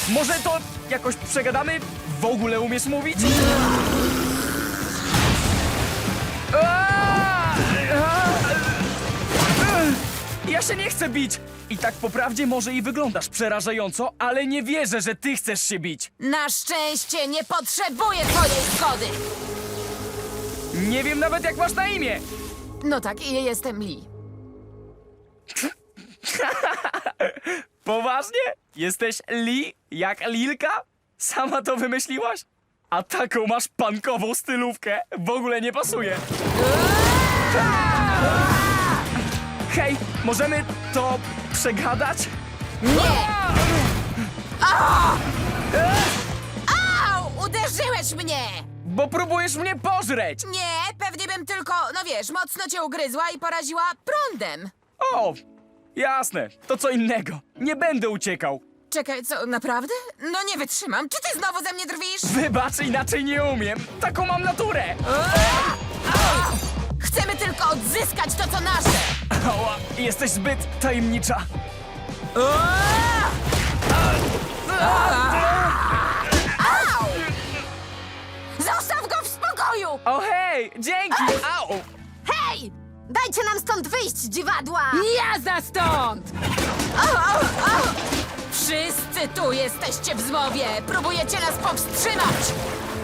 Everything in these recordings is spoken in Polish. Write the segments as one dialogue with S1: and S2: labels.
S1: Może to jakoś przegadamy? W ogóle umiesz mówić? Ja się nie chcę bić! I tak po prawdzie może i wyglądasz przerażająco, ale nie wierzę, że ty chcesz się bić.
S2: Na szczęście nie potrzebuję twojej zgody.
S1: Nie wiem nawet, jak masz na imię.
S2: No tak, jestem Lee.
S1: Poważnie? Jesteś Lee? Jak Lilka? Sama to wymyśliłaś? A taką masz punkową stylówkę. W ogóle nie pasuje. Hej, możemy to przegadać?
S2: Nie! Au! Uderzyłeś mnie!
S1: Bo próbujesz mnie pożreć!
S2: Nie, pewnie bym tylko, no wiesz, mocno cię ugryzła i poraziła prądem.
S1: O, jasne, to co innego. Nie będę uciekał.
S2: Czekaj, co, naprawdę? No nie wytrzymam. Czy ty znowu ze mnie drwisz?
S1: Wybacz, inaczej nie umiem. Taką mam naturę.
S2: Chcemy tylko odzyskać to, co nasze.
S1: Ała, jesteś zbyt tajemnicza.
S2: Au! Zostaw go w spokoju!
S1: O hej, dzięki! Au!
S3: Hej! Dajcie nam stąd wyjść, dziwadła!
S2: Jazda stąd! Wszyscy tu jesteście w zmowie! Próbujecie nas powstrzymać!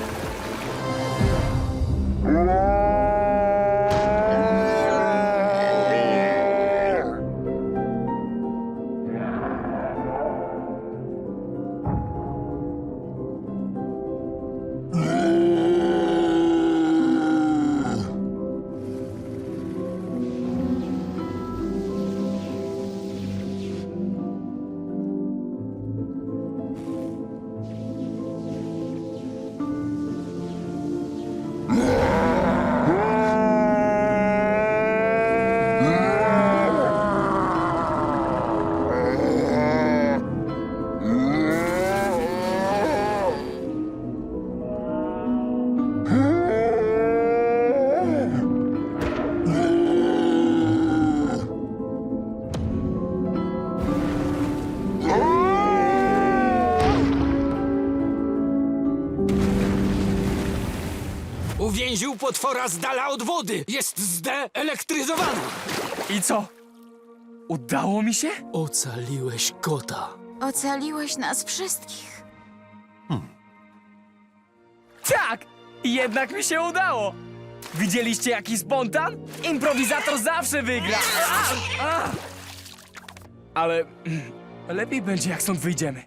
S4: Uwięził potwora z dala od wody. Jest zdeelektryzowany.
S1: I co? Udało mi się?
S4: Ocaliłeś kota.
S3: Ocaliłeś nas wszystkich.
S1: Tak! Jednak mi się udało! Widzieliście jaki spontan? Improwizator zawsze wygra! Ale lepiej będzie, jak stąd wyjdziemy.